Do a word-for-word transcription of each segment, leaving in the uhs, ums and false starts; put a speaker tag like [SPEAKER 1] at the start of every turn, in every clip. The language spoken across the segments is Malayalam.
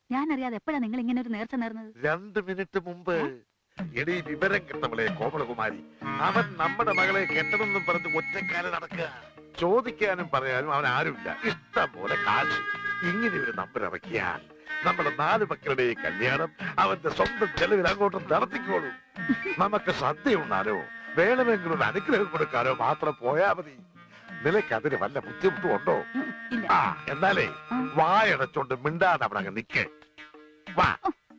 [SPEAKER 1] ഞാൻ അറിയാതെ എപ്പോഴാ നിങ്ങൾ ഇങ്ങനെ ഒരു നേർച്ച നേർന്നത്?
[SPEAKER 2] രണ്ട് മിനിറ്റ് മുമ്പ്. എടീ വിവരം കെട്ടവളെ കോമളകുമാരി, അവൻ നമ്മുടെ മകളെ കെട്ടണമെന്നും പറഞ്ഞ് ഒറ്റക്കാലം നടക്കുക. ചോദിക്കാനും പറയാനും അവൻ ആരുമില്ല, ഇഷ്ടം പോലെ കാശ്. ഇങ്ങനെ ഒരു നമ്പർ ഇറക്കിയാൽ നമ്മുടെ നാല് മക്കളുടെയും കല്യാണം അവന്റെ സ്വന്തം ചെലവിൽ അങ്ങോട്ട് നടത്തിക്കോളും. നമുക്ക് സദ്യ ഉണ്ണാനോ വേണമെങ്കിലും അനുഗ്രഹം കൊടുക്കാനോ മാത്രം പോയാ മതി. നിനക്ക് അതിന് വല്ല ബുദ്ധിമുട്ടും ഉണ്ടോ? ആ എന്നാലേ വായടച്ചോണ്ട് മിണ്ടാതെ അവിടെ അങ്ങ് നിക്ക്. വാ.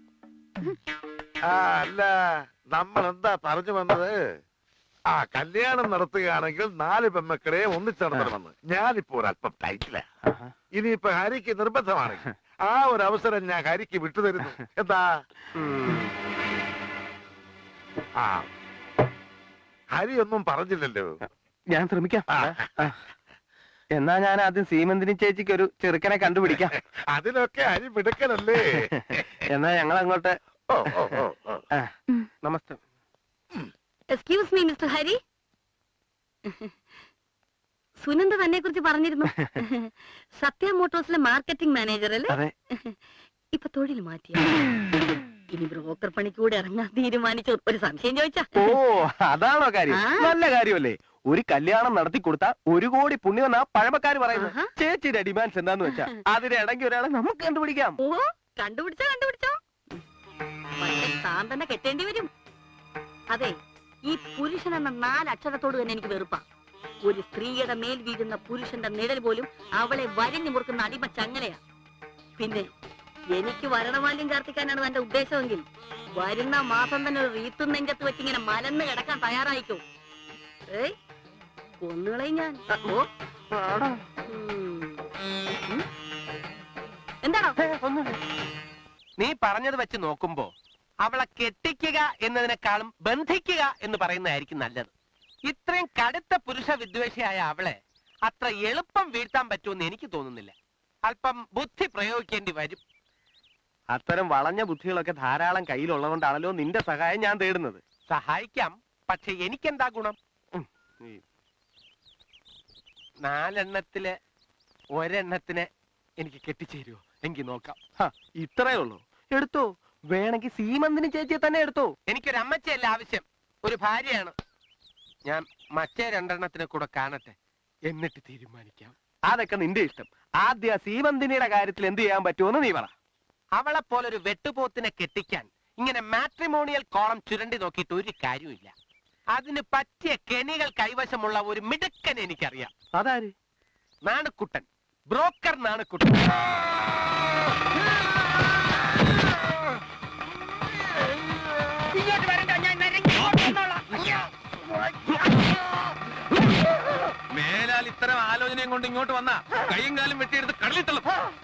[SPEAKER 2] ആ അല്ല, നമ്മൾ എന്താ പറഞ്ഞു വന്നത്? ആ കല്യാണം നടത്തുകയാണെങ്കിൽ നാല് പെമ്മക്കളെ ഒന്നിച്ച് നടത്തണമെന്ന്. ഞാനിപ്പോ ഒരല്പം ടൈറ്റില്ല. ഇനിയിപ്പോ ഹരിക്ക് നിർബന്ധമാണെങ്കിൽ ആ ഒരു അവസരം ഞാൻ ഹരിക്ക് വിട്ടുതരുന്നു. എന്താ? ആ ഹരി ഒന്നും പറഞ്ഞില്ലല്ലോ.
[SPEAKER 3] ഞാൻ ശ്രമിക്കാം. എന്നാ ഞാൻ ആദ്യം സീമന്തിനി ചേച്ചിക്ക് ഒരു ചെറുക്കനെ കണ്ടുപിടിക്കാം.
[SPEAKER 2] അതിനൊക്കെ ഹരി മിടുക്കനല്ലേ?
[SPEAKER 3] എന്നാ ഞങ്ങൾ അങ്ങോട്ട്.
[SPEAKER 2] ഓ ഓ ഓ
[SPEAKER 3] നമസ്തേ.
[SPEAKER 1] Excuse me mister Hari. Sunanda തന്നെ കുറിച്ച് പറഞ്ഞിരുന്നു. സത്യ മോട്ടോഴ്സിലെ മാർക്കറ്റിംഗ് മാനേജർ അല്ലേ? ഇപ്പൊ തൊഴിൽ മാറ്റിയ ഇനി ബ്രോക്കർ പണിക്കൂടെ ഇറങ്ങാൻ തീരുമാനിച്ചു. ഒരു സംശയം ചോദിച്ചാ?
[SPEAKER 3] ഓ അതാണോ കാര്യം? നല്ല കാര്യമല്ലേ. ഒരു കല്യാണം നടത്തി കൊടുത്താൽ ഒരു കോടി പുണ്യമെന്നാ പഴമക്കാര് പറയുന്നത്. ചേച്ചിയുടെ ഡിമാൻഡ്സ് എന്താന്ന് വെച്ചാ അതിനിടയ്ക്ക് ഒരാളെ നമുക്ക് കണ്ടുപിടിക്കാം.
[SPEAKER 1] ഓ കണ്ടുപിടിച്ചോ കണ്ടുപിടിച്ചോ. പക്ഷെ താൻ തന്നെ കെട്ടേണ്ടി വരും. അതെ, ഈ പുരുഷൻ എന്ന നാലക്ഷരത്തോട് തന്നെ എനിക്ക് വെറുപ്പാ. ഒരു സ്ത്രീയുടെ മേൽ വീഴുന്ന പുരുഷന്റെ നിഴൽ പോലും അവളെ വരിഞ്ഞു മുറുക്കുന്ന അടിമ ചങ്ങലയാ. പിന്നെ എനിക്ക് വരണമാല്യം ചാർത്തിക്കാനാണ് എന്റെ ഉദ്ദേശമെങ്കിൽ വരുന്ന മാസം തന്നെ ഒരു റീത്തും നെഞ്ചത്ത് വെച്ച് ഇങ്ങനെ മലന്ന് കിടക്കാൻ തയ്യാറായിക്കോ. ഏയ് കൊന്നുകളെ ഞാൻ. ഓ എന്താണോ?
[SPEAKER 3] നീ പറഞ്ഞത് വെച്ച് നോക്കുമ്പോ അവളെ കെട്ടിക്കുക എന്നതിനേക്കാളും ബന്ധിക്കുക എന്ന് പറയുന്നതായിരിക്കും നല്ലത്. ഇത്രയും കടുത്ത പുരുഷ വിദ്വേഷിയായ അവളെ അത്ര എളുപ്പം വീഴ്ത്താൻ പറ്റുമെന്ന് എനിക്ക് തോന്നുന്നില്ല. അല്പം ബുദ്ധി പ്രയോഗിക്കേണ്ടി വരും. അത്തരം വളഞ്ഞ ബുദ്ധികളൊക്കെ ധാരാളം കയ്യിലുള്ളതുകൊണ്ടാണല്ലോ നിന്റെ സഹായം ഞാൻ തേടുന്നത്. സഹായിക്കാം, പക്ഷെ എനിക്കെന്താ ഗുണം? നാലെണ്ണത്തില് ഒരെണ്ണത്തിനെ എനിക്ക് കെട്ടിച്ചേരുവോ? എങ്കിൽ നോക്കാം. ഇത്രയേ ഉള്ളൂ. എടുത്തോ. വേണമെങ്കിൽ സീമന്തിനി ചേച്ചിയെ തന്നെ എടുത്തോ. എനിക്കൊരു അമ്മച്ചയല്ല ആവശ്യം, ഒരു ഭാര്യയാണ്. ഞാൻ മറ്റേ രണ്ടെണ്ണത്തിനെ കൂടെ കാണട്ടെ, എന്നിട്ട് തീരുമാനിക്കാം. അതൊക്കെ നിന്റെ ഇഷ്ടം. ആദ്യ സീമന്തിനിയുടെ കാര്യത്തിൽ എന്ത് ചെയ്യാൻ പറ്റുമെന്ന് നീ പറ. അവളെ പോലൊരു വെട്ടുപോത്തിനെ കെട്ടിക്കാൻ ഇങ്ങനെ മാട്രിമോണിയൽ കോളം ചുരണ്ടി നോക്കിയിട്ട് ഒരു കാര്യമില്ല. അതിന് പറ്റിയ കെണികൾ കൈവശമുള്ള ഒരു മിടുക്കൻ എനിക്കറിയാം. അതാര്? നാണുക്കുട്ടൻ, ബ്രോക്കർ നാണുക്കുട്ടൻ. മേലാൽ ഇത്തരം ആലോചനയും കൊണ്ട് ഇങ്ങോട്ട് വന്ന കൈയും കാലും വെട്ടിയെടുത്ത് കടലിട്ടല്ലോ.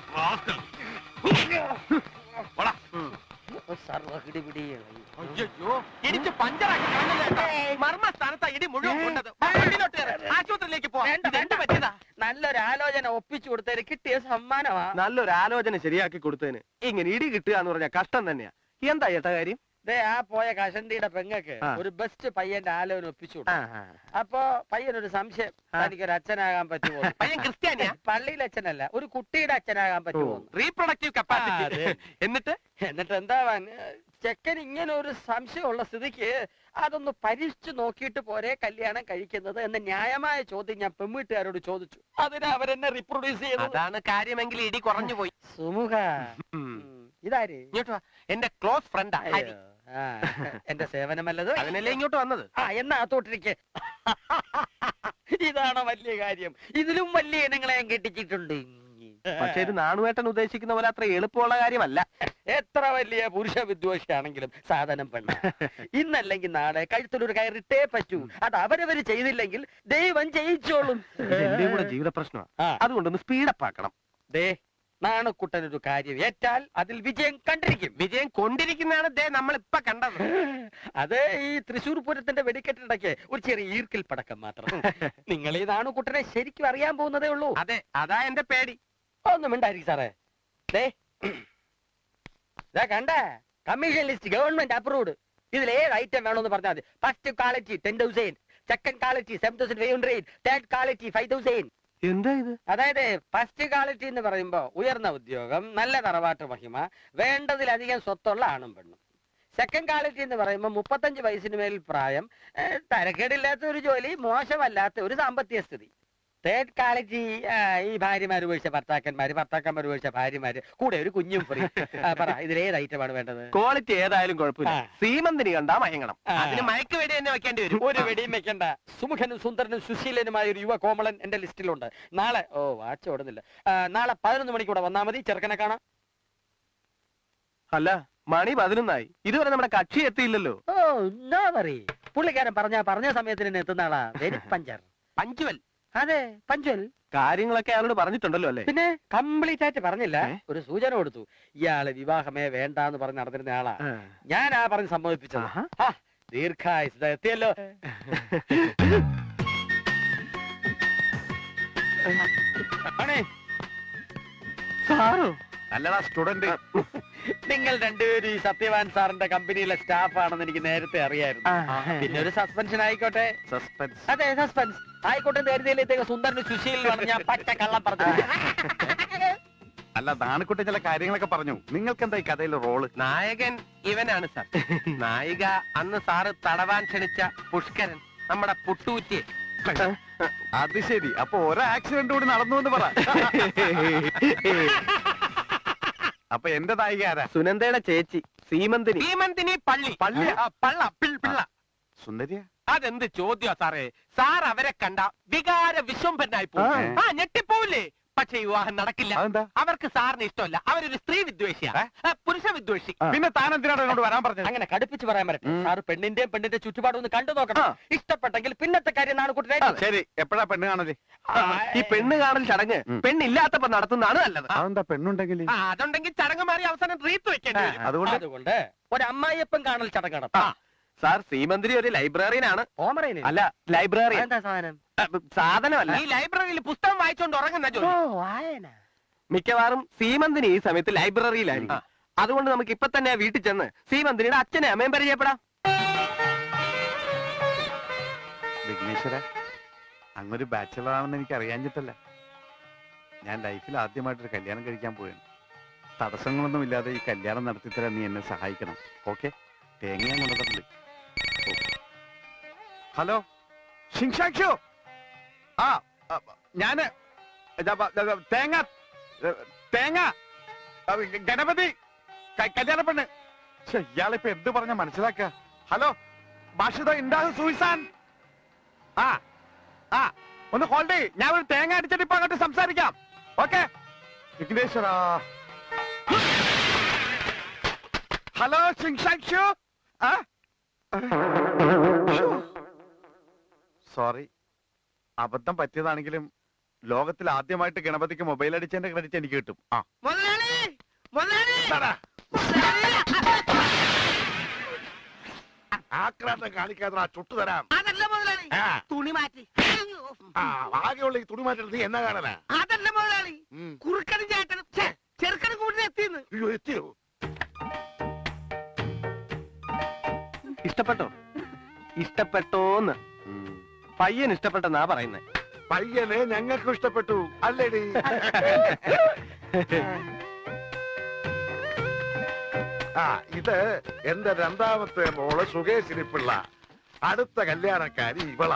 [SPEAKER 3] ഇടിച്ച് പഞ്ചറാക്കി മർമ്മ സ്ഥാനത്താ ഇടി മുഴുവൻ കൊണ്ടത്. ആശുപത്രിയിലേക്ക് പോവാ.
[SPEAKER 4] നല്ലൊരു ആലോചന ഒപ്പിച്ചു കൊടുത്തതിന് കിട്ടിയ സമ്മാനമാ.
[SPEAKER 3] നല്ലൊരു ആലോചന ശരിയാക്കി കൊടുത്തതിന് ഇങ്ങനെ ഇടി കിട്ടുക എന്ന് പറഞ്ഞാൽ കഷ്ടം തന്നെയാ. എന്താ ചേട്ടാ കാര്യം?
[SPEAKER 4] ദേ ആ പോയ കഷണ്ടിയുടെ പെങ്ങക്ക് ഒരു ബെസ്റ്റ് പയ്യന്റെ ആലോചന ഒപ്പിച്ചു. അപ്പൊ പയ്യനൊരു സംശയം, തനിക്കൊരു അച്ഛനാകാൻ പറ്റുമോ?
[SPEAKER 3] പയ്യൻ ക്രിസ്ത്യാനിയാ?
[SPEAKER 4] പള്ളിയിലെ അച്ഛനല്ല, ഒരു കുട്ടിയുടെ അച്ഛനാകാൻ പറ്റുമോ?
[SPEAKER 3] Reproductive capacity. എന്നിട്ട്
[SPEAKER 4] എന്നിട്ട് എന്താവാൻ? ചെക്കൻ ഇങ്ങനെ ഒരു സംശയമുള്ള സ്ഥിതിക്ക് അതൊന്ന് പരീക്ഷിച്ചു നോക്കിയിട്ട് പോരെ കല്യാണം കഴിക്കുന്നത് എന്ന ന്യായമായ ചോദ്യം ഞാൻ പെൺവീട്ടുകാരോട് ചോദിച്ചു. അതിന് അവരെന്നെ റീപ്രൊഡ്യൂസ് ചെയ്തു.
[SPEAKER 3] അതാണ് കാര്യമെങ്കിൽ ഇടി കുറഞ്ഞു പോയി.
[SPEAKER 4] സുമുഖ, ഇതാര്?
[SPEAKER 3] ഇങ്ങോട്ട് വാ. എന്റെ ക്ലോസ് ഫ്രണ്ടാ.
[SPEAKER 4] എന്റെ സേവനമല്ലത്.
[SPEAKER 3] അതിനല്ലേ ഇങ്ങോട്ട് വന്നത്.
[SPEAKER 4] ആ എന്നാ തോട്ടിരിക്കെ. ഇതാണോ വലിയ കാര്യം? ഇതിലും വലിയ ഇനങ്ങളെ ഞാൻ കെട്ടിച്ചിട്ടുണ്ട്.
[SPEAKER 3] പക്ഷെ ഇത് നാണുവേട്ടൻ ഉദ്ദേശിക്കുന്ന പോലെ അത്ര എളുപ്പമുള്ള കാര്യമല്ല.
[SPEAKER 4] എത്ര വലിയ പുരുഷ വിദ്വേഷിയാണെങ്കിലും സാധനം പെണ്ണ. ഇന്നല്ലെങ്കിൽ നാളെ കഴുത്തിലൊരു കയറിട്ടേ പറ്റൂ. അത് അവരവര് ചെയ്തില്ലെങ്കിൽ ദൈവം ചെയ്യിച്ചോളും.
[SPEAKER 3] എന്റെ കൂടെ ജീവിത പ്രശ്നമാണ്, അതുകൊണ്ടൊന്ന് സ്പീഡപ്പ് ആക്കണം.
[SPEAKER 4] ദേ നാണക്കുട്ടനൊരു കാര്യം ഏറ്റാൽ അതിൽ വിജയം കണ്ടിരിക്കും.
[SPEAKER 3] വിജയം കൊണ്ടിരിക്കുന്നതാണ് ദേ നമ്മൾ ഇപ്പൊ കണ്ടത്.
[SPEAKER 4] അത് ഈ തൃശ്ശൂർ പൂരത്തിന്റെ വെടിക്കെട്ടിടയ്ക്ക് ഒരു ചെറിയ ഈർക്കിൽ പടക്കം മാത്രം. നിങ്ങൾ ഈ നാണുക്കുട്ടനെ ശരിക്കും അറിയാൻ പോകുന്നതേ ഉള്ളൂ.
[SPEAKER 3] അതെ, അതാ എന്റെ പേടി.
[SPEAKER 4] ഒന്നും ഉണ്ടായിരിക്കും സാറേ. ദേ കണ്ടേ, കമ്മീഷൻ ലിസ്റ്റ് ഗവൺമെന്റ് അപ്രൂവ്ഡ്. ഇതിൽ ഏഴ് ഐറ്റം വേണമെന്ന് പറഞ്ഞാൽ മതി. First quality ten thousand, second quality seven thousand five hundred, third quality five thousand.
[SPEAKER 3] എന്താ ഇത്?
[SPEAKER 4] അതായത് ഫസ്റ്റ് ക്വാളിറ്റി എന്ന് പറയുമ്പോ ഉയർന്ന ഉദ്യോഗം, നല്ല തറവാട്ട് മഹിമ, വേണ്ടതിലധികം സ്വത്തുള്ള ആണും പെണ്ണും. സെക്കൻഡ് ക്വാളിറ്റി എന്ന് പറയുമ്പോൾ മുപ്പത്തഞ്ച് വയസ്സിന് മേൽ പ്രായം, ഏഹ്, തരക്കേടില്ലാത്ത ഒരു ജോലി, മോശമല്ലാത്ത ഒരു സാമ്പത്തിക സ്ഥിതി. തേർഡ് ക്വാളിറ്റി ഈ ഭാര്യമാര് ഉപയോഗിച്ച ഭർത്താക്കന്മാര്, ഭർത്താക്കന്മാർ ഉപയോഗിച്ച ഭാര്യമാര്, കൂടെ ഒരു കുഞ്ഞും ഫ്രീ. പറ, ഇതിലേത് ഐറ്റമാണ് വേണ്ടത്?
[SPEAKER 3] ക്വാളിറ്റി ഏതായാലും കുഴപ്പമില്ല,
[SPEAKER 4] ആ.
[SPEAKER 3] സീമന്തിനി കണ്ടാ മയങ്ങണം.
[SPEAKER 4] ആ.
[SPEAKER 3] അതിന് മയക്ക് വേണ്ടി തന്നെ വെക്കേണ്ടി വരും.
[SPEAKER 4] ഒരു വെടിയും വെക്കണ്ട. സുമുഖനും സുന്ദരനും സുശീലനുമായ ഒരു യുവ കോമളൻ എന്റെ ലിസ്റ്റിലുണ്ട്. നാളെ ഓ വാച്ച് ഓടുന്നില്ല. ആ, നാളെ പതിനൊന്ന് മണിക്കൂടെ വന്നാ മതി. ചെറുക്കനെ കാണാം.
[SPEAKER 3] അല്ല, മണി പതിനൊന്നായി, ഇതുവരെ നമ്മുടെ കക്ഷി എത്തിയില്ലല്ലോ.
[SPEAKER 4] ഓ നോ വറി, പുള്ളിക്കാരൻ പറഞ്ഞ പറഞ്ഞ സമയത്തിന് തന്നെ എത്തുന്ന ആളാ. Very puncture.
[SPEAKER 3] പഞ്ചുവൽ
[SPEAKER 4] അതെ, പഞ്ചൽ.
[SPEAKER 3] കാര്യങ്ങളൊക്കെ അയാളോട് പറഞ്ഞിട്ടുണ്ടല്ലോ അല്ലേ?
[SPEAKER 4] പിന്നെ കംപ്ലീറ്റ് ആയിട്ട് പറഞ്ഞില്ല,
[SPEAKER 3] ഏ?
[SPEAKER 4] ഒരു സൂചന കൊടുത്തു. ഇയാള് വിവാഹമേ വേണ്ടാന്ന് പറഞ്ഞ് നടന്നിരുന്ന ആളാ.
[SPEAKER 3] ആ.
[SPEAKER 4] ഞാൻ ആ പറഞ്ഞ് സമ്മതിപ്പിച്ചത്.
[SPEAKER 3] ആഹാ.
[SPEAKER 4] ആ, ദീർഘായുസ് എത്തിയല്ലോ. ആണേ,
[SPEAKER 3] സാറോ?
[SPEAKER 2] അല്ലടാ സ്റ്റുഡന്റ്.
[SPEAKER 4] നിങ്ങൾ രണ്ടുപേരും ഈ സത്യവാൻ സാറിന്റെ കമ്പനിയിലെ സ്റ്റാഫ് ആണെന്ന് എനിക്ക് നേരത്തെ അറിയായിരുന്നു. പിന്നെ ഒരു സസ്പെൻഷൻ ആയിക്കോട്ടെ.
[SPEAKER 2] സസ്പെൻസ്.
[SPEAKER 4] അതെ, സസ്പെൻസ് ആയിക്കോട്ടെ. നേരത്തെ സുന്ദരന് സുശീലാണ് ഞാൻ പച്ച കള്ളം പറഞ്ഞു.
[SPEAKER 2] അല്ല, നാണിക്കുട്ടി ചില കാര്യങ്ങളൊക്കെ പറഞ്ഞു. നിങ്ങൾക്ക് എന്താ ഈ കഥയിലെ റോള്?
[SPEAKER 3] നായകൻ ഇവനാണ് സാർ. നായിക അന്ന് സാറ് തടവാൻ ക്ഷണിച്ച പുഷ്കരൻ, നമ്മുടെ പുട്ടൂറ്റി.
[SPEAKER 2] അത് ശരി. അപ്പൊ ഒരു ആക്സിഡന്റ് കൂടി നടന്നു എന്ന് പറ. അപ്പൊ എന്റെ നായിക ആരാ?
[SPEAKER 3] സുനന്ദയുടെ ചേച്ചി സീമന്തിനി. സീമന്തിനി പള്ളി. പള്ളി പള്ള പിള്ള.
[SPEAKER 2] സുന്ദരിയ?
[SPEAKER 3] അതെന്ത് ചോദ്യാ സാറേ? സാർ അവരെ കണ്ട വികാര വിശ്വംഭനായി പോകും. ആ, ഞെട്ടിപ്പോവില്ലേ? പക്ഷെ വിവാഹം നടക്കില്ല.
[SPEAKER 2] അതെന്താ?
[SPEAKER 3] അവർക്ക് സാറിന് ഇഷ്ടമല്ല. അവരൊരു സ്ത്രീ വിദ്വേഷിയാ, പുരുഷ വിദ്വേഷി.
[SPEAKER 2] പിന്നെ താൻ എന്തിനാണ് എന്നോട് വരാൻ പറഞ്ഞത്?
[SPEAKER 4] അങ്ങനെ കടുപ്പിച്ച് പറയാൻ പറ്റും.
[SPEAKER 2] ഉം.
[SPEAKER 4] സാറ് പെണ്ണിന്റെയും പെണ്ണിന്റെ ചുറ്റുപാടും ഒന്ന് കണ്ടു നോക്കണം. ഇഷ്ടപ്പെട്ടെങ്കിൽ പിന്നത്തെ കാര്യം നാണ് കുട്ടി.
[SPEAKER 2] ശരി, എപ്പോഴാ പെണ്ണ് കാണല്?
[SPEAKER 3] ഈ പെണ്ണ് കാണൽ ചടങ്ങ്
[SPEAKER 2] ഉം.
[SPEAKER 3] പെണ്ണില്ലാത്തപ്പോ നടത്തുന്നതാണ് നല്ലത്.
[SPEAKER 2] അതെന്താ പെണ്ണുണ്ടെങ്കിൽ?
[SPEAKER 3] ആ, അതുണ്ടെങ്കിൽ ചടങ്ങ് മാറി അവസാനം റീത്ത് വെക്കേണ്ടി വരും.
[SPEAKER 2] അതുകൊണ്ട്
[SPEAKER 4] അതുകൊണ്ട് ഒരു അമ്മായിയപ്പൻ കാണൽ ചടങ്ങ് നടത്താം.
[SPEAKER 3] സാർ, സീമന്തിരി ഒരു ലൈബ്രറിയനാണ്.
[SPEAKER 4] ഓമറയില്
[SPEAKER 3] അല്ല, ലൈബ്രറിയൻ.
[SPEAKER 4] എന്താ സാധനം?
[SPEAKER 3] സാധനമല്ല, ഈ ലൈബ്രറിയിൽ പുസ്തകം വായിച്ചോണ്ട് ഉറങ്ങുന്ന
[SPEAKER 4] ഓ,
[SPEAKER 3] ജോലി.
[SPEAKER 4] വായന.
[SPEAKER 3] മിക്കവാറും സീമന്തിനി ഈ സമയത്ത് ലൈബ്രറിയിലായിരിക്കും. അതുകൊണ്ട് നമുക്ക് ഇപ്പൊ തന്നെ വീട്ടിൽ ചെന്ന് സീമന്തിനിയുടെ അച്ഛനെ അമ്മയും പരിചയപ്പെടാം.
[SPEAKER 2] വിഘ്നേശ്വര, അങ്ങൊരു ബാച്ചലർ ആണെന്ന് എനിക്ക് അറിയാഞ്ഞിട്ടല്ല. ഞാൻ ലൈഫിൽ ആദ്യമായിട്ടൊരു കല്യാണം കഴിക്കാൻ പോയാണ്. തടസ്സങ്ങളൊന്നും ഇല്ലാതെ ഈ കല്യാണം നടത്തിത്തരാൻ നീ എന്നെ സഹായിക്കണം. ഓക്കെ? തേങ്ങ ഞാൻ കൊണ്ടുവന്നിട്ടുണ്ട്. ഹലോ ഷിങ്ഷാക്ഷു. ആ, ആ, ഞാന് ദാ, ദാ, ദാ, തേങ്ങ തേങ്ങ ആ, ഗണപതി ക- കല്യാണ പെണ്ണ്. ഛെ, ഇയാളിപ്പോ എന്ത് പറഞ്ഞ മനസ്സിലാക്ക? ഹലോ ഭാഷിത ഉണ്ടാകും സൂയിസാൻ. ആ ആ ഒന്ന് ഹോൾഡ് ചെയ്യ്. ഞാൻ ഒരു തേങ്ങ അടിച്ചിട്ട് ഇപ്പൊ അങ്ങോട്ട് സംസാരിക്കാം. ഓക്കെ? വിഘ്നേശ്വര. ഹലോ ഷിങ്ഷാക്ഷു. സോറി, അബദ്ധം പറ്റിയതാണെങ്കിലും ലോകത്തിൽ ആദ്യമായിട്ട് ഗണപതിക്ക് മൊബൈൽ അടിച്ചതിന്റെ ക്രെഡിറ്റ് എനിക്ക് കിട്ടും. ആ എന്താടാ? ആക്രാന്തം കാണിക്കാതെ ചുട്ടു തരാം.
[SPEAKER 5] അതല്ല മുതലാളി,
[SPEAKER 2] ആ,
[SPEAKER 5] തുണി മാറ്റി.
[SPEAKER 2] ആ, ആകെയുള്ള ഈ തുണി മാറ്റി നീ എന്നാ കാണാനാ?
[SPEAKER 5] അതല്ല മുതലാളി,
[SPEAKER 2] ഉം.
[SPEAKER 5] കുറുക്കനും ചേട്ടനും ഛെ, ചെറുക്കനും കൂടി എത്തിന്ന്.
[SPEAKER 2] അയ്യോ, എത്തിയോ?
[SPEAKER 3] ഇഷ്ടപ്പെട്ടോ? ഇഷ്ടപ്പെട്ടോന്ന്
[SPEAKER 2] ഉം.
[SPEAKER 3] പയ്യൻ ഇഷ്ടപ്പെട്ടെന്നാ പറയുന്നേ.
[SPEAKER 2] പയ്യനെ ഞങ്ങൾക്കും ഇഷ്ടപ്പെട്ടു അല്ലേടി? ആ, ഇത് എന്റെ രണ്ടാമത്തെ മോള് സുകേശിനി പിള്ള. അടുത്ത കല്യാണക്കാരി ഇവളാ.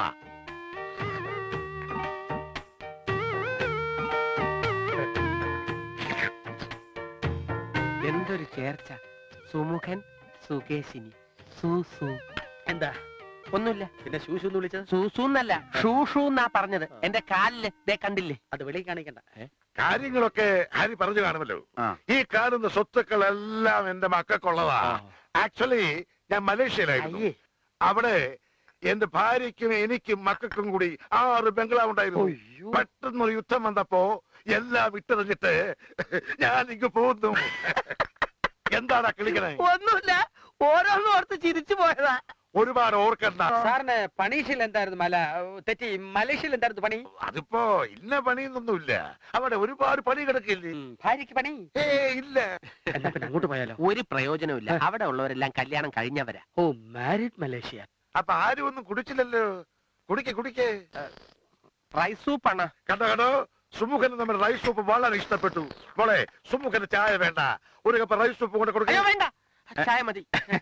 [SPEAKER 3] എന്തൊരു ചേർച്ച. സുമുഖൻ, സുകേശിനി, സൂസു.
[SPEAKER 4] എന്താ?
[SPEAKER 3] ഒന്നുമില്ല.
[SPEAKER 4] പിന്നെ ശൂശു എന്ന് വിളിച്ചത്?
[SPEAKER 3] സൂസൂന്നല്ല, ഷൂഷൂ എന്നാ പറഞ്ഞത്. എന്റെ കാലില് ദേ കണ്ടില്ലേ?
[SPEAKER 4] അത് വെളി കാണിക്കണ്ട.
[SPEAKER 2] കാര്യങ്ങളൊക്കെ ഹരി പറഞ്ഞു കാണുമല്ലോ. ഈ കാണുന്ന സ്വത്തുക്കളെല്ലാം എന്റെ മക്കൾക്കുള്ളതാ. ആക്ച്വലി ഞാൻ മലേഷ്യയിലായിരുന്നു.
[SPEAKER 4] അയ്യേ.
[SPEAKER 2] അവിടെ എന്റെ ഭാര്യയ്ക്കും എനിക്കും മക്കൾക്കും കൂടി ആറ് ബംഗ്ലാവ് ഉണ്ടായിരുന്നു.
[SPEAKER 4] അയ്യോ.
[SPEAKER 2] പെട്ടെന്നൊരു യുദ്ധം വന്നപ്പോ എല്ലാം വിട്ടെറിഞ്ഞിട്ട് ഞാൻ ഇങ്ങ് പോകുന്നു. എന്താടാ കിളിക്കണേ?
[SPEAKER 5] ഒന്നുമില്ല, ഓരോന്നും ഓർത്ത് ചിരിച്ചു പോയതാ.
[SPEAKER 2] ഒരുപാട് ഓർക്കണ്ട.
[SPEAKER 4] സാറിന് പണീഷിൽ എന്തായിരുന്നു? മല തെറ്റി മലേഷ്യയിൽ എന്തായിരുന്നു പണി?
[SPEAKER 2] അതിപ്പോ ഇന്ന പണിയൊന്നുമില്ല. അവിടെ ഒരുപാട് പണി കിടക്കില്ലേ?
[SPEAKER 4] ഉം, ഭാര്യയ്ക്ക് പണി?
[SPEAKER 2] ഏ ഇല്ല.
[SPEAKER 4] എന്നാ പിന്നെ അങ്ങോട്ട് പോയാലോ?
[SPEAKER 3] ഒരു പ്രയോജനമില്ല. അവിടെ ഉള്ളവരെല്ലാം കല്യാണം കഴിഞ്ഞവരാ.
[SPEAKER 4] ഓ, മാരിഡ് മലേഷ്യ.
[SPEAKER 2] അപ്പൊ ആരും ഒന്നും കുടിച്ചില്ലല്ലോ. കുടിക്കേ കുടിക്കേ.
[SPEAKER 3] റൈസ് സൂപ്പ് അണ്ണ.
[SPEAKER 2] കണ്ടോ കണ്ടോ, സുമുഖന് നമ്മുടെ റൈസ് സൂപ്പ് വളരെ ഇഷ്ടപ്പെട്ടു. മോളെ, സുമുഖന് ചായ വേണ്ട, ഒരു കപ്പ് റൈസ് സൂപ്പ് കൊണ്ട്
[SPEAKER 3] അയ്യോ
[SPEAKER 2] കൊടുക്കുക.
[SPEAKER 3] വേണ്ട, ചായ മതി.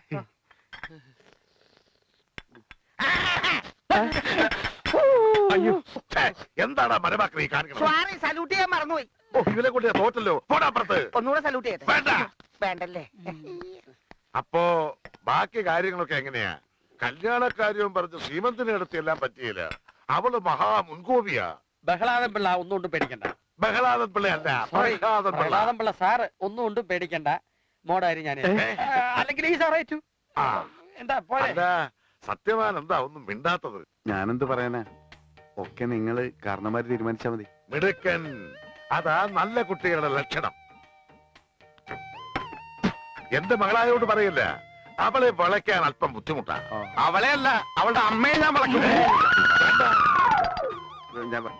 [SPEAKER 2] അയ്യോ, എന്താണ് മരമാക്രി കാണിക്കുന്നത്?
[SPEAKER 5] സ്വാറി സല്യൂട്ട് ചെയ്യാൻ മറന്നുപോയി.
[SPEAKER 2] ഓ, ഇവനെ കൊണ്ട് ഞാൻ തോറ്റല്ലോ. പോടാപ്പുറത്ത്.
[SPEAKER 5] ഒന്നുകൂടെ സല്യൂട്ട് ചെയ്യട്ടെ?
[SPEAKER 2] വേണ്ട.
[SPEAKER 5] വേണ്ടല്ലേ?
[SPEAKER 2] അപ്പോ ബാക്കി കാര്യങ്ങളൊക്കെ എങ്ങനെയാ? കല്യാണക്കാര്യവും പറഞ്ഞ് ശ്രീമന്തിനെ അടുത്ത് എല്ലാം പറ്റിയില്ല. അവള് മഹാ മുൻകോപിയാ.
[SPEAKER 4] ബഹളാദം പിള്ള ഒന്നുകൊണ്ടും പേടിക്കണ്ട.
[SPEAKER 2] ബഹളാദൻ പിള്ളയല്ല, പ്രഹ്ലാദൻ പിള്ള.
[SPEAKER 4] ബഹളാദം പിള്ള സാറ് ഒന്നുകൊണ്ടും പേടിക്കണ്ട. മോഡായി ഞാൻ അല്ലെങ്കിൽ ഈ സാറേ ഏറ്റു.
[SPEAKER 2] ആ,
[SPEAKER 4] എന്താ പോലെ
[SPEAKER 2] അല്ല, സത്യവാൻ എന്താ ഒന്നും മിണ്ടാത്തത്?
[SPEAKER 6] ഞാനെന്ത് പറയാനാ, ഒക്കെ നിങ്ങള് കാരണന്മാര് തീരുമാനിച്ചാ മതി.
[SPEAKER 2] മിടുക്കൻ, അതാ നല്ല കുട്ടികളുടെ ലക്ഷണം. എന്റെ മകളായോട് പറയില്ല, അവളെ വളയ്ക്കാൻ അല്പം ബുദ്ധിമുട്ടാ.
[SPEAKER 6] അവളെ അല്ല, അവളുടെ അമ്മയെ ഞാൻ വളക്കും. ഞാൻ പ-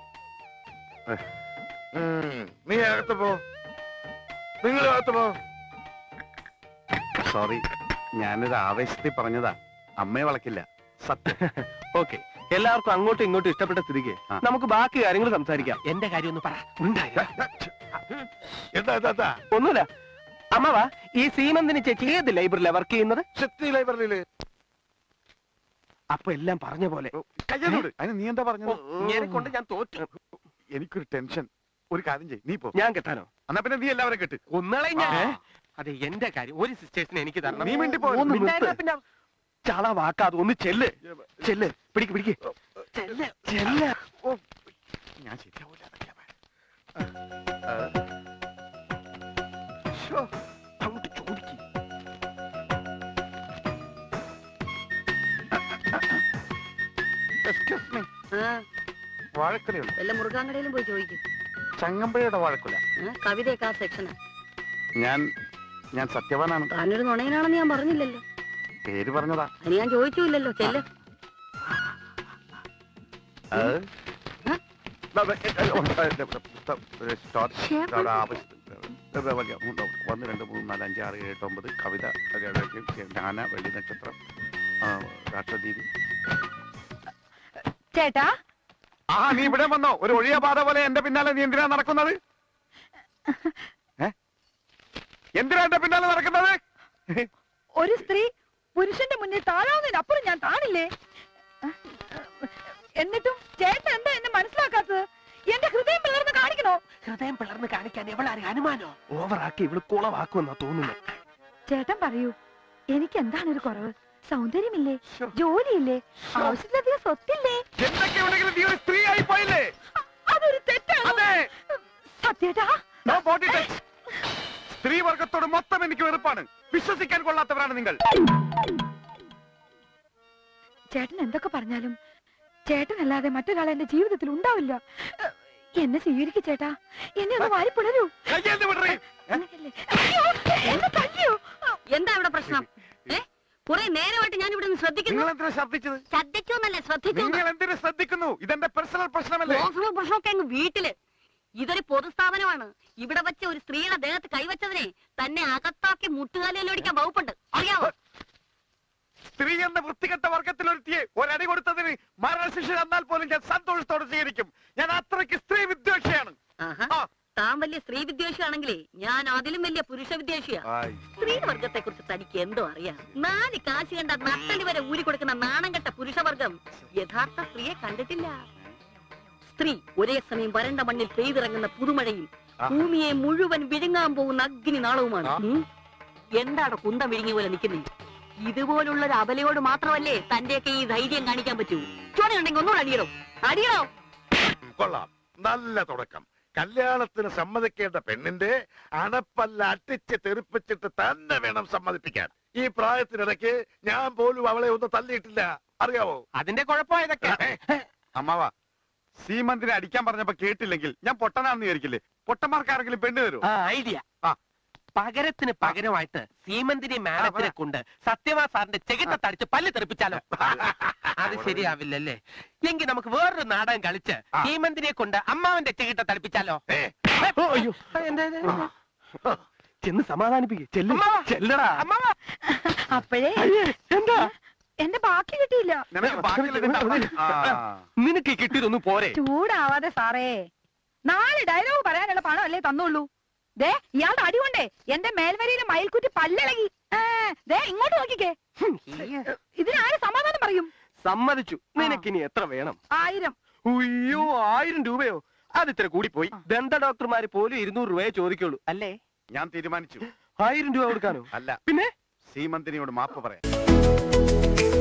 [SPEAKER 2] ഉം, നീ അകത്ത് പോ, നിങ്ങൾ അകത്ത് പോ.
[SPEAKER 6] സോറി, ഞാനൊരു ആവേശത്തിൽ പറഞ്ഞതാ. അമ്മയെ വളക്കില്ല, സത്യം.
[SPEAKER 3] ഓക്കെ, എല്ലാവർക്കും അങ്ങോട്ടും ഇങ്ങോട്ടും ഇഷ്ടപ്പെട്ട സ്ഥിതിക്ക്
[SPEAKER 6] ആ.
[SPEAKER 3] നമുക്ക് ബാക്കി കാര്യങ്ങൾ സംസാരിക്കാം. എന്റെ കാര്യം ഒന്ന് പറ. ഉണ്ടായില്ല.
[SPEAKER 2] എന്താ എന്താ എന്താ
[SPEAKER 3] ഒന്നുമില്ല. അമ്മവാ, ഈ സീമന്തിന് ചേച്ചി ഏത് ലൈബ്രറിയിലാ വർക്ക് ചെയ്യുന്നത്?
[SPEAKER 2] ശക്തി ലൈബ്രറിയില്.
[SPEAKER 3] അപ്പൊ എല്ലാം പറഞ്ഞ പോലെ.
[SPEAKER 6] കയ്യോട് അതിന് നീ എന്താ പറഞ്ഞത്?
[SPEAKER 3] ഇങ്ങനെ കൊണ്ട് ഞാൻ തോറ്റു.
[SPEAKER 6] എനിക്കൊരു ടെൻഷൻ. ഒരു കാര്യം ചെയ്യ്, നീ പോ.
[SPEAKER 3] ഞാൻ കെട്ടാനോ?
[SPEAKER 6] എന്നാ പിന്നെ നീ എല്ലാവരും കെട്ട്.
[SPEAKER 3] ഒന്നളെ ഞാൻ.
[SPEAKER 6] ആ.
[SPEAKER 3] അതെ, എന്റെ കാര്യം ഒരു സിസ്റ്റേഴ്സിനെ എനിക്ക് തരണം.
[SPEAKER 6] നീ മിണ്ടി പോ,
[SPEAKER 3] ഒന്ന്
[SPEAKER 6] നീ നിർത്ത്.
[SPEAKER 3] മിണ്ടായിരുന്നാ പിന്നെ ചള വാക്കാതെ ഒന്ന് ചെല്ല് ചെല്ല് പിടിക്ക് പിടിക്ക് ചെല്ല് ചെല്ല്.
[SPEAKER 6] ഓ, ഞാൻ ശരിയാവൂല. അതൊക്കെയാ ഭയം.
[SPEAKER 3] ശ്ശോ, അങ്ങോട്ട് ചോദിക്ക്.
[SPEAKER 6] Excuse me.
[SPEAKER 1] ആ,
[SPEAKER 6] വാഴക്കുലയുള്ളൂ.
[SPEAKER 1] വല്ല മുറുകാങ്കടയിലും പോയി ചോദിക്കും.
[SPEAKER 6] ചങ്ങമ്പുഴയുടെ വാഴക്കുല.
[SPEAKER 1] കവിതയൊക്കെ ആ സെക്ഷന്.
[SPEAKER 6] ഞാൻ ഞാൻ സത്യവാനാണ്.
[SPEAKER 1] താനൊരു നുണയനാണെന്ന് ഞാൻ പറഞ്ഞില്ലല്ലോ.
[SPEAKER 6] പേര് പറഞ്ഞതാ.
[SPEAKER 1] അതിന് ഞാൻ ചോദിച്ചില്ലല്ലോ. ചെല്ല്.
[SPEAKER 6] അത് ഒന്ന് രണ്ട് മൂന്ന് നാല് അഞ്ച് ആറ് ഏഴ് എട്ട് ഒമ്പത് കവിത, ജ്ഞാന, വെള്ളി നക്ഷത്രം, രാഷ്ട്രദീപി.
[SPEAKER 7] ചേട്ടാ,
[SPEAKER 6] ആ, നീ ഇവിടെ വന്നോ? ഒരു ഒഴിയ പാത പോലെ എന്റെ പിന്നാലെ നീ എന്തിനാ നടക്കുന്നത്? എന്തിനാ എന്റെ പിന്നാലെ നടക്കുന്നത്?
[SPEAKER 7] ഒരു സ്ത്രീ പുരുഷന്റെ മുന്നിൽ താഴാവുന്നതിനപ്പുറം ഞാൻ താണില്ലേ? എന്നിട്ടും ചേട്ടൻ എന്താ എന്നെ മനസ്സിലാക്കാത്തത്? എന്റെ ഹൃദയം പിളർന്ന് കാണിക്കണോ?
[SPEAKER 3] ഹൃദയം പിളർന്ന് കാണിക്കാൻ എവളാര് അനുമാനോ? ഓവറാക്കി ഇവള് കുളവാക്കുമെന്നാ തോന്നുന്നു.
[SPEAKER 7] ചേട്ടൻ പറയൂ, എനിക്ക് എന്താണ് ഒരു കുറവ്? സൗന്ദര്യമില്ലേ? ജോലിയില്ലേ? ആവശ്യത്തിലധികം സ്വത്തില്ലേ?
[SPEAKER 6] എന്തൊക്കെ ഉണ്ടെങ്കിലും നീ ഒരു സ്ത്രീ ആയി പോയില്ലേ?
[SPEAKER 7] അതൊരു തെറ്റാണ്.
[SPEAKER 6] അതെ.
[SPEAKER 7] സത്യേട്ടാ,
[SPEAKER 6] No body touch. സ്ത്രീ വർഗത്തോട് മൊത്തം എനിക്ക് വെറുപ്പാണ്. വിശ്വസിക്കാൻ കൊള്ളാത്തവരാണ് നിങ്ങൾ.
[SPEAKER 7] ചേട്ടൻ എന്തൊക്കെ പറഞ്ഞാലും ചേട്ടനല്ലാതെ മറ്റൊരാൾ എന്റെ ജീവിതത്തിൽ ഉണ്ടാവില്ല. എന്നെ സ്വീകരിക്കു ചേട്ടാ. എന്നെ ഒന്ന് വാരിപ്പിടരൂ.
[SPEAKER 6] കയ്യേന്ത് വിടറി.
[SPEAKER 7] അങ്ങനെയല്ലേ? അയ്യോ, എന്നെ തല്ലിയോ?
[SPEAKER 1] എന്താ ഇവിടെ പ്രശ്നം? ഏ, കുറെ നേരമായിട്ട് ഞാൻ ഇവിടെ ശ്രദ്ധിക്കുന്നു.
[SPEAKER 6] നിങ്ങൾ എന്തിനാ ശ്രദ്ധിച്ചത്?
[SPEAKER 1] ശ്രദ്ധിച്ചോന്നല്ലേ, ശ്രദ്ധിച്ചു.
[SPEAKER 6] നിങ്ങൾ എന്തിനു ശ്രദ്ധിക്കുന്നു? ഇതെന്റെ പേഴ്സണൽ പ്രശ്നമല്ലേ?
[SPEAKER 1] പ്രശ്നമൊക്കെ അങ്ങ് വീട്ടില്. ഇതൊരു പൊതുസ്ഥാപനമാണ്. ഇവിടെ വെച്ച ഒരു സ്ത്രീയുടെ ദേഹത്ത് കൈവച്ചതിനെ തന്നെ അകത്താക്കി മുട്ടുകാലിലൊടിക്കാൻ വകുപ്പുണ്ട്, അറിയാവോ?
[SPEAKER 6] സ്ത്രീ എന്ന വൃത്തികെട്ട വർഗത്തിലൊരുത്തിയെ ഒരടി കൊടുത്തതിന് മരണശിക്ഷ തന്നാൽ പോലും ഞാൻ സന്തോഷത്തോടെ സ്വീകരിക്കും. ഞാൻ അത്രയ്ക്ക് സ്ത്രീ വിദ്വേഷിയാണ്.
[SPEAKER 1] ആഹാ,
[SPEAKER 6] ആ.
[SPEAKER 1] താൻ വലിയ സ്ത്രീ വിദ്വേഷിയാണെങ്കിലേ ഞാൻ അതിലും വലിയ പുരുഷ വിദ്വേഷിയാ. സ്ത്രീ വർഗത്തെ കുറിച്ച് തനിക്ക് എന്തോ അറിയാം? നാല് കാശ് കണ്ട നട്ടലി വരെ ഊരി കൊടുക്കുന്ന നാണം കെട്ട പുരുഷവർഗം യഥാർത്ഥ സ്ത്രീയെ കണ്ടിട്ടില്ല. സ്ത്രീ ഒരേ സമയം വരണ്ട മണ്ണിൽ പെയ്തിറങ്ങുന്ന പുതുമഴയും ഭൂമിയെ മുഴുവൻ വിഴുങ്ങാൻ പോകുന്ന അഗ്നി നാളവുമാണ്. ഉം. എന്താണ് കുന്തം വിഴുങ്ങിയ പോലെ നിൽക്കുന്നേ? ഇതുപോലുള്ള ഒരു അബലയോട് മാത്രമല്ലേ തന്റെയൊക്കെ ഈ ധൈര്യം കാണിക്കാൻ പറ്റൂ. ചോണയുണ്ടെങ്കിൽ ഒന്നുകൂടെ അടിയണോ? അടിയണോ?
[SPEAKER 2] കൊള്ളാം, നല്ല തുടക്കം. കല്യാണത്തിന് സമ്മതിക്കേണ്ട പെണ്ണിന്റെ അണപ്പല്ല അട്ടിച്ച് തെറിപ്പിച്ചിട്ട് തന്നെ വേണം സമ്മതിപ്പിക്കാൻ. ഈ പ്രായത്തിനിടയ്ക്ക് ഞാൻ പോലും അവളെ ഒന്നും തല്ലിയിട്ടില്ല, അറിയാവോ?
[SPEAKER 3] അതിന്റെ കുഴപ്പം ഇതൊക്കെ.
[SPEAKER 6] അമ്മാവാ, സീമന്തിനെ അടിക്കാൻ പറഞ്ഞപ്പോ കേട്ടില്ലെങ്കിൽ ഞാൻ പൊട്ടനാന്ന് വിചാരിക്കില്ലേ? പൊട്ടന്മാർക്ക് ആരെങ്കിലും പെണ്ണ് തരൂ?
[SPEAKER 3] ആ ഐഡിയ.
[SPEAKER 6] ആ.
[SPEAKER 3] പകരത്തിന് പകരമായിട്ട് സീമന്തിനെ മാഡത്തിനെ കൊണ്ട് സത്യവാ സാറിന്റെ ചെകിട്ട തടിച്ച് പല്ല് തെറിപ്പിച്ചാലോ? അത് ശരിയാവില്ലല്ലേ? എങ്കിൽ നമുക്ക് വേറൊരു നാടകം കളിച്ച് സീമന്തിനെ കൊണ്ട് അമ്മാവന്റെ ചെകിട്ട തടിപ്പിച്ചാലോ? അയ്യോ, ചെന്ന് സമാധാനിപ്പിക്കേ. ചെല്ലടാ.
[SPEAKER 7] അപ്പോഴേ
[SPEAKER 3] എന്താ?
[SPEAKER 7] എന്റെ ബാക്കി കിട്ടിയില്ല.
[SPEAKER 6] നിനക്ക് ബാക്കിയുള്ളത് തരണം. ആ.
[SPEAKER 3] നിനക്ക് ഈ കിട്ടിയതൊന്നും പോരെ.
[SPEAKER 7] ചൂടാവാതെ സാറേ, നാല് ഡയലോഗ് പറയാനുള്ള പണം അല്ലേ തന്നുള്ളൂ. ദേ ഇയാളുടെ അടി കൊണ്ടേ എന്റെ മേൽവരിയിലെ മയിൽക്കുറ്റി പല്ലിളകി. ആ, ദേ ഇങ്ങോട്ട് നോക്കിക്കേ. ഇതിനാര് സമാധാനം പറയും?
[SPEAKER 3] സമ്മതിച്ചു. നിനക്കിനി എത്ര വേണം?
[SPEAKER 7] ആയിരം.
[SPEAKER 3] ഉയ്യോ, ആയിരം രൂപയോ? അത് ഇത്ര കൂടി പോയി. ദന്ത ഡോക്ടർമാര് പോലും ഇരുന്നൂറ് രൂപയെ ചോദിക്കുള്ളൂ അല്ലേ?
[SPEAKER 6] ഞാൻ തീരുമാനിച്ചു.
[SPEAKER 3] ആയിരം രൂപ കൊടുക്കാനോ?
[SPEAKER 6] അല്ല,
[SPEAKER 3] പിന്നെ
[SPEAKER 6] സീമന്തിനിയോട് മാപ്പ് പറയാം.